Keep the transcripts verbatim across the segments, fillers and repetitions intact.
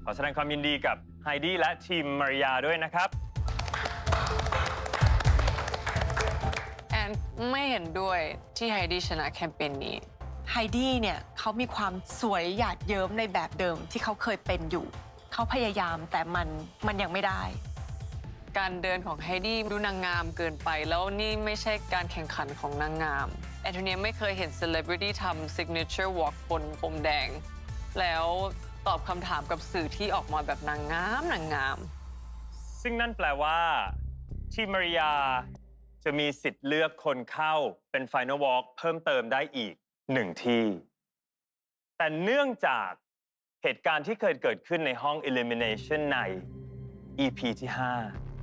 ขอแสดงความยินดีกับไฮดี้และทีมมาริยาด้วยนะครับแอนไม่เห็นด้วยที่ไฮดี้ชนะแคมเปญนี้ไฮดี้เนี่ยเขามีความสวยหยาดเยิ้มในแบบเดิมที่เขาเคยเป็นอยู่เขาพยายามแต่มันมันยังไม่ได้การเดินของไฮดี้ดูนางงามเกินไปแล้วนี่ไม่ใช่การแข่งขันของนางงามแอนโทเนียไม่เคยเห็นเซเลบริตี้ทำ signature walk บนพรมแดงแล้วตอบคำถามกับสื่อที่ออกมาแบบนางงามนางงามซึ่งนั่นแปลว่าทีมมาริยาจะมีสิทธิ์เลือกคนเข้าเป็น Final Walk เพิ่มเติมได้อีกหนึ่งที่แต่เนื่องจากเหตุการณ์ที่เคยเกิดขึ้นในห้อง Elimination ใน อี พี ที่ ห้า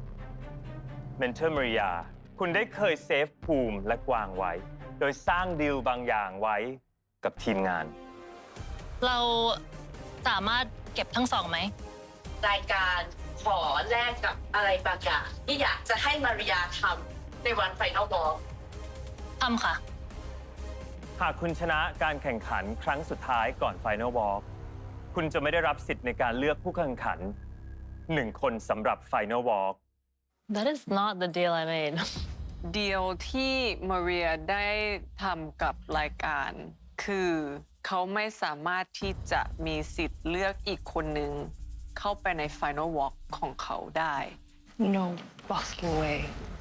Mentor Maria คุณได้เคยเซฟภูมิและกวางไว้โดยสร้างดีลบางอย่างไว้กับทีมงานเราสามารถเก็บทั้งสองไหมรายการขอแลกกับอะไรบางอย่างที่อยากจะให้มาริยาทำในวันไฟนอลบอลทำค่ะหากคุณชนะการแข่งขันครั้งสุดท้ายก่อน Final Walk คุณจะไม่ได้รับสิทธิ์ในการเลือกผู้แข่งขันหนึ่งคนสำหรับ Final Walk That is not the deal I made เดียวที่มาเรียได้ทำกับรายการคือเขาไม่สามารถที่จะมีสิทธิ์เลือกอีกคนหนึ่งเข้าไปใน Final Walk ของเขาได้ No fucking way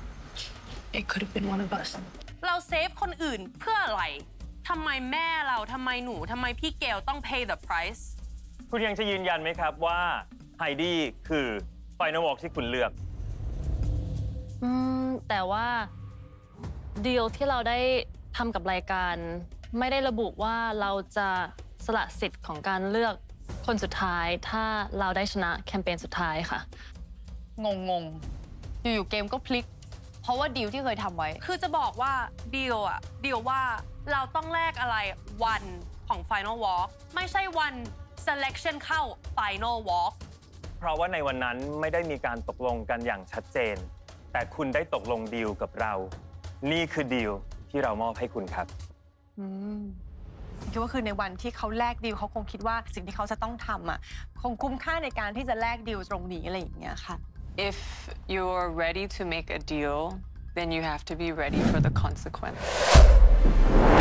it could have been one of us เราเซฟคนอื่นเพื่ออะไรทำไมแม่เราทำไมหนูทำไมพี่เกลต้อง pay the price คุณยังจะยืนยันไหมครับว่าไฮดี้คือ Final Walk ที่คุณเลือกอืมแต่ว่าดีลที่เราได้ทำกับรายการไม่ได้ระบุว่าเราจะสละสิทธิ์ของการเลือกคนสุดท้ายถ้าเราได้ชนะแคมเปญสุดท้ายค่ะงงงอยู่ๆเกมก็พลิกเพราะว่าดีลที่เคยทำไว้คือจะบอกว่าดีลอะดีลว่าเราต้องแลกอะไรวันของ Final Walk ไม่ใช่วัน selection เข้า Final Walk เพราะว่าในวันนั้นไม่ได้มีการตกลงกันอย่างชัดเจนแต่คุณได้ตกลงดีลกับเรานี่คือดีลที่เรามอบให้คุณครับอืมคิดว่าคือในวันที่เขาแลกดีลเขาคงคิดว่าสิ่งที่เขาจะต้องทำอ่ะคงคุ้มค่าในการที่จะแลกดีลตรงนี้อะไรอย่างเงี้ยค่ะ If you're ready to make a deal then you have to be ready for the consequence